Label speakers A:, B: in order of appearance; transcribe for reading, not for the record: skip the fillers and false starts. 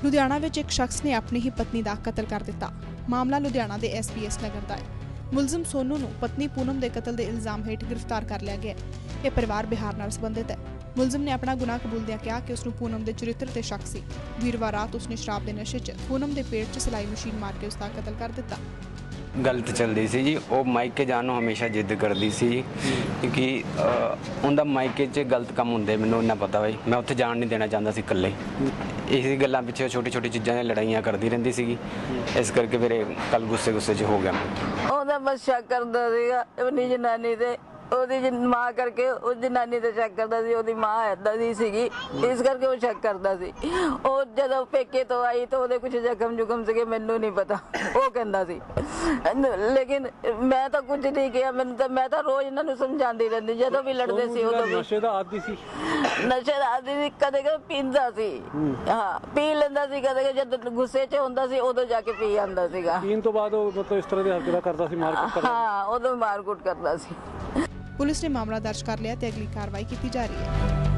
A: ਲੁਧਿਆਣਾ ਵਿੱਚ ਇੱਕ ਸ਼ਖਸ ਨੇ ਆਪਣੀ ਹੀ ਪਤਨੀ ਦਾ ਕਤਲ ਕਰ ਦਿੱਤਾ। ਮਾਮਲਾ ਲੁਧਿਆਣਾ ਦੇ SBS ਨਗਰ ਦਾ ਹੈ। ਮੁਲਜ਼ਮ ਸੋਨੂ ਨੂੰ ਪਤਨੀ ਪੂਨਮ ਦੇ ਕਤਲ ਦੇ ਇਲਜ਼ਾਮ ਹੇਠ ਗ੍ਰਿਫਤਾਰ ਕਰ ਲਿਆ ਗਿਆ ਹੈ। ਇਹ ਪਰਿਵਾਰ ਬਿਹਾਰ ਨਾਲ ਸੰਬੰਧਿਤ ਹੈ। ਮੁਲਜ਼ਮ ਨੇ ਆਪਣਾ ਗੁਨਾਹ ਕਬੂਲਦਿਆਂ ਕਿਹਾ ਕਿ ਉਸ ਨੂੰ ਪੂਨਮ ਦੇ ਚਰਿੱਤਰ ਤੇ ਸ਼ੱਕ ਸੀ। ਵੀਰਵਾਰ ਰਾਤ ਉਸਨੇ ਸ਼ਰਾਬ ਦੇ ਨਸ਼ੇ 'ਚ ਪੂਨਮ ਦੇ ਪੇਟ 'ਚ ਸਿਲਾਈ ਮਸ਼ੀਨ ਮਾਰ ਕੇ ਉਸ ਦਾ ਕਤਲ ਕਰ ਦਿੱਤਾ।
B: गलत चलती सी जी, वो मायके जान ਨੂੰ हमेशा जिद करती सी क्योंकि उनका मायके 'ਚ गलत काम ਹੁੰਦੇ ਮੈਨੂੰ ਇੰਨਾ ਪਤਾ ਬਈ ਮੈਂ ਉੱਥੇ ਜਾਣ ਨਹੀਂ ਦੇਣਾ ਚਾਹੁੰਦਾ ਸੀ ਇਕੱਲੇ। ਇਸੇ ਗੱਲਾਂ ਪਿੱਛੇ ਛੋਟੀ ਛੋਟੀ ਚੀਜ਼ਾਂ ਦੀਆਂ ਲੜਾਈਆਂ ਕਰਦੀ ਰਹਿੰਦੀ ਸੀਗੀ, ਇਸ ਕਰਕੇ ਫਿਰ ਕੱਲ ਗੁੱਸੇ 'ਚ ਹੋ ਗਿਆ।
C: ਉਹਦਾ ਬਸ ਸ਼ੱਕ ਕਰਦਾ ਸੀਗਾ ਆਪਣੀ ਜਨਾਨੀ ਤੇ, ਉਹਦੀ ਮਾਂ ਕਰਕੇ ਉਹ ਜਨਾਨੀ ਤੇ ਸ਼ੱਕ ਕਰਦਾ ਸੀ। ਉਹਦੀ ਮਾਂ ਏਦਾਂ ਦੀ ਸੀਗੀ, ਇਸ ਕਰਕੇ ਉਹ ਸ਼ੱਕ ਕਰਦਾ ਸੀ। ਉਹ ਜਦੋਂ ਪੇਕੇ ਤੋਂ ਆਈ ਤਾਂ ਉਹਦੇ ਕੁਝ ਜ਼ਖਮ ਸੀਗੇ, ਮੈਨੂੰ ਨਹੀਂ ਪਤਾ, ਉਹ ਕਹਿੰਦਾ ਸੀ। ਲੇਕਿਨ ਮੈਂ ਤਾਂ ਕੁਝ ਨਹੀਂ ਕਿਹਾ, ਮੈਂ ਤਾਂ ਰੋਜ਼ ਇਹਨਾਂ ਨੂੰ ਸਮਝਾਉਂਦੀ ਰਹਿੰਦੀ, ਜਦੋਂ ਵੀ ਲੜਦੇ ਸੀ ਉਦੋਂ ਵੀ।
D: ਨਸ਼ੇ ਦਾ ਆਦੀ ਸੀ,
C: ਨਸ਼ੇ ਦਾ ਆਦੀ ਸੀ, ਕਦੇ ਪੀਂਦਾ ਸੀ। ਹਾਂ, ਪੀ ਲੈਂਦਾ ਸੀ, ਕਦੇ ਜਦੋਂ ਗੁੱਸੇ 'ਚ ਹੁੰਦਾ ਸੀ ਉਦੋਂ ਜਾ ਕੇ ਪੀ ਆਉਂਦਾ ਸੀਗਾ।
D: ਪੀਣ ਤੋਂ ਬਾਅਦ ਉਹ ਮਤਲਬ ਇਸ ਤਰ੍ਹਾਂ ਦੀ ਹਰਕਤਾਂ ਕਰਦਾ ਸੀ, ਮਾਰਕੁੱਟ ਕਰਦਾ।
C: ਹਾਂ, ਉਦੋਂ ਮਾਰਕੁੱਟ ਕਰਦਾ ਸੀ।
A: ਪੁਲਿਸ ਨੇ ਮਾਮਲਾ ਦਰਜ ਕਰ ਲਿਆ ਤੇ ਅਗਲੀ ਕਾਰਵਾਈ ਕੀਤੀ ਜਾ ਰਹੀ ਹੈ।